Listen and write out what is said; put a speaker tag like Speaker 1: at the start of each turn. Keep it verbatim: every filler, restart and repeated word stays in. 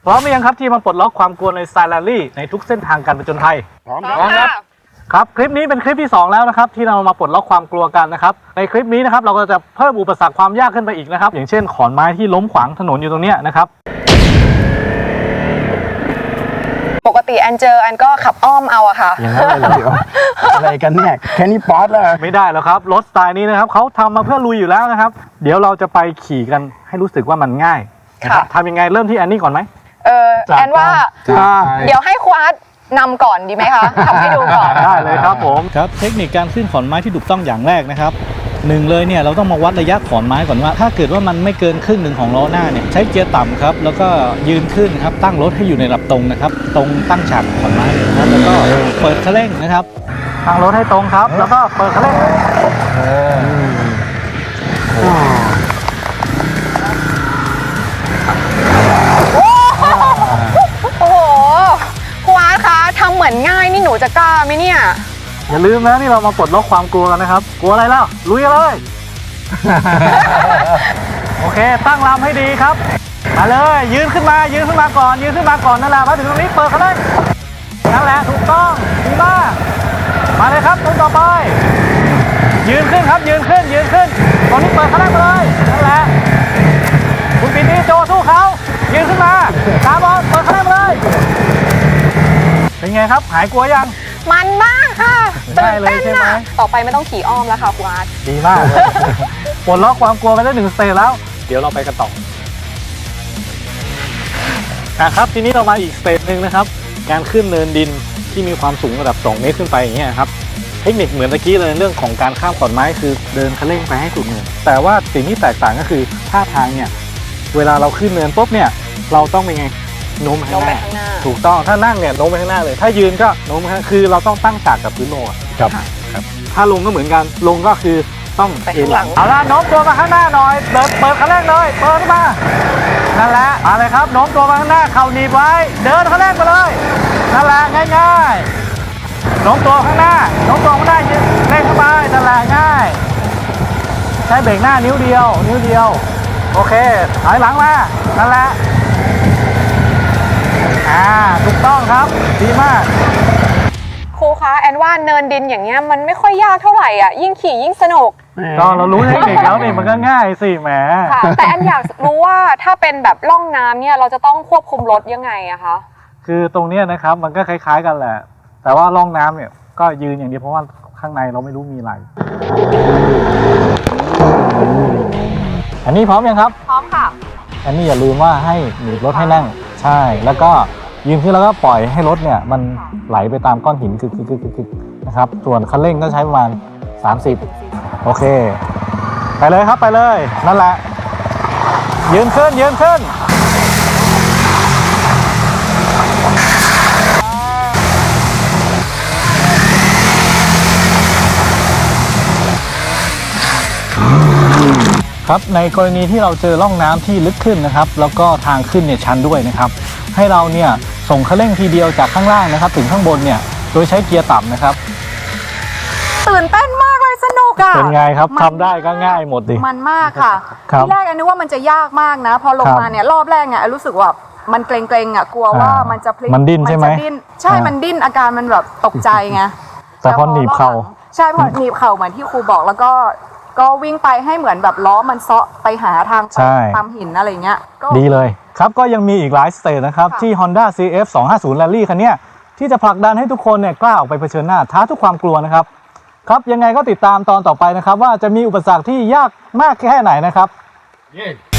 Speaker 1: พร้อมหรือยังครับที่มาปลดล็อกความกลัวในสไตล์แรลลี่ในทุกเส้นทางการผจญภัย
Speaker 2: พร้อมครับ
Speaker 1: ครับคลิปนี้เป็นคลิปที่สองแล้วนะครับที่เรามาปลดล็อกความกลัวกันนะครับในคลิปนี้นะครับเราก็จะเพิ่มอุปสรรคความยากขึ้นไปอีกนะครับอย่างเช่นขอนไม้ที่ล้มขวางถนนอยู่ตรงนี้นะครับ
Speaker 3: ปกติแอนเจอแอนก็ขับอ้อมเอาอะค่ะ
Speaker 2: อย่างนั้นเลยเหรออะไรกันเนี่ยแค่นี้ป๊อตแล้ว
Speaker 1: ไม่ได้แล้วครับรถสไตล์นี้นะครับเขาทำมาเพื่อลุยอยู่แล้วนะครับเดี๋ยวเราจะไปขี่กันให้รู้สึกว่ามันง่ายนะครับทำยังไงเริ่มที่แอนนี่ก่อนไหม
Speaker 3: เออแอนว่าเดี๋ยวให้ควาดนำก่อนดีไหมคะทำให้ดูก่อน
Speaker 1: ได้เลยครับผมครับเทคนิคการขึ้นขอนไม้ที่ถูกต้องอย่างแรกนะครับหนึ่งเลยเนี่ยเราต้องมาวัดระยะขอนไม้ก่อนว่าถ้าเกิดว่ามันไม่เกินครึ่งหนึ่งของล้อหน้าเนี่ยใช้เกียร์ต่ำครับแล้วก็ยืนขึ้นครับตั้งรถให้อยู่ในระดับตรงนะครับตรงตั้งฉากขอนไม้นะครับแล้วก็เปิดคันเร่งนะครับตั้งรถให้ตรงครับแล้วก็เปิดคันเร่ง
Speaker 3: โอ้โหควาดคะทำเหมือนง่ายนี่หนูจะกล้าไหมเนี่ย
Speaker 1: อย่าลืมนะนี่เรามาปลดล็อกความกลัวกันนะครับกลัวอะไรแล้วลุยกันเลย โอเคตั้งลำให้ดีครับมาเลยยืนขึ้นมายืนขึ้นมาก่อนยืนขึ้นมาก่อนนั่นแหละมาถึงตรงนี้เปิดคันเร่งนั่นแหละถูกต้องดีมากมาเลยครับตรงต่อไปยืนขึ้นครับยืนขึ้นยืนขึ้นตอนนี้เปิดคันเร่งเลยนั่นแหละคุณปีนี้โจสู้เขายืนขึ้นมาตามบอลเปิดคันเร่งเลยเป็นไงครับหายกลัวยัง
Speaker 3: มันมากค่ะตื่นเต้นนะต่อไปไม่ต้องขี่อ้อมแล้วค่ะคุณอาร์ต
Speaker 1: ดีมากปลดล็อกความกลัวไปได้หนึ่งสเตจแล้วเดี๋ยวเราไปกันต่ออ่ะครับทีนี้เรามาอีกสเตจหนึ่งนะครับการขึ้นเนินดินที่มีความสูงระดับสองเมตรขึ้นไปอย่างเงี้ยครับเทคนิคเหมือนตะกี้เลยเรื่องของการข้ามขอนไม้คือเดินคันเร่งไปให้สุดเนินแต่ว่าสิ่งที่แตกต่างก็คือท่าทางเนี่ยเวลาเราขึ้นเนินปุ๊บเนี่ยเราต้องเป็นไงโน้มไปข้างหน้าถูกต้องถ้านั่งเนี่ยโน้มไปข้างหน้าเลยถ้ายืนก็โน้มไปข้างหน้าคือเราต้องตั้งฉากกับพื้นโลก
Speaker 2: ครับ
Speaker 1: ถ้าลงก็เหมือนกันลงก็คือต้องเอ็นหลังเอาละโน้มตัวมาข้างหน้าหน่อยเปิดเปิดคันเร่งเลยเปิดขึ้นมานั่นแหละมาเลยครับโน้มตัวมาข้างหน้าเข่าหนีบไว้เดินคันเร่งไปเลยนั่นแหละง่ายๆโน้มตัวข้างหน้าโน้มตัวข้างหน้าเร่งเข้าไปนั่นแหละง่ายใช้เบรกหน้านิ้วเดียวนิ้วเดียวโอเคถอยหลังมานั่นแหละอ่าถูกต้องครับดีมาก
Speaker 3: ครูคะแอนว่าเนินดินอย่างเงี้ยมันไม่ค่อยยากเท่าไหร่อ่ะยิ่งขี่ยิ่งสนุก
Speaker 1: ก็เรารู้เทคนิคแล้วนี่มันก็ง่ายสิแหม
Speaker 3: แต่แอนอยากรู้ว่าถ้าเป็นแบบล่องน้ำเนี่ยเราจะต้องควบคุมรถยังไงอะคะ
Speaker 1: คือตรงนี้นะครับมันก็คล้ายๆกันแหละแต่ว่าล่องน้ำเนี่ยก็ยืนอย่างเดียวเพราะว่าข้างในเราไม่รู้มีอะไรอันนี้พร้อมยังครับ
Speaker 3: พร้อมค่ะ
Speaker 1: อันนี้อย่าลืมว่าให้หนีบรถให้นั่งใช่แล้วก็ยืนขึ้นแล้วก็ปล่อยให้รถเนี่ยมันไหลไปตามก้อนหินคึกๆๆนะครับส่วนคันเร่งก็ใช้ประมาณสามสิบโอเคไปเลยครับไปเลยนั่นแหละยืนขึ้นยืนขึ้นครับในกรณีที่เราเจอร่องน้ำที่ลึกขึ้นนะครับแล้วก็ทางขึ้นเนี่ยชันด้วยนะครับให้เราเนี่ยส่งคันเร่งทีเดียวจากข้างล่างนะครับถึงข้างบนเนี่ยโดยใช้เกียร์ต่ำนะครับ
Speaker 3: ตื่นเต้นมากเลยสนุกอ่ะ
Speaker 1: เป็นไงครับทำได้ก็ง่ายหมดดิ
Speaker 3: มันมากค่ะที่แรกอันนึกว่ามันจะยากมากนะพอลงมาเนี่ยรอบแรกเนี่ยรู้สึกว่ามันเกรงๆอ่ะกลัวว่ามันจะพลิก
Speaker 1: มันดิ้นใช่ไหม
Speaker 3: ใช่มันดิ้นอาการมันแบบตกใจไง
Speaker 1: แต่พอหนีบเข่า
Speaker 3: ใช่พอหนีบเข่าเหมือนที่ครูบอกแล้วก็ก็วิ่งไปให้เหมือนแบบล้อมันเซาะไปหาทางตามหินอะไรเงี้ย
Speaker 1: ดีเลยครับก็ยังมีอีกหลายสเตจนะครับที่ Honda ซี เอฟ สองห้าศูนย์ Rally คันนี้ที่จะผลักดันให้ทุกคนเนี่ยกล้าออกไปเผชิญหน้าท้าทุกความกลัวนะครับครับยังไงก็ติดตามตอนต่อไปนะครับว่าจะมีอุปสรรคที่ยากมากแค่ไหนนะครับ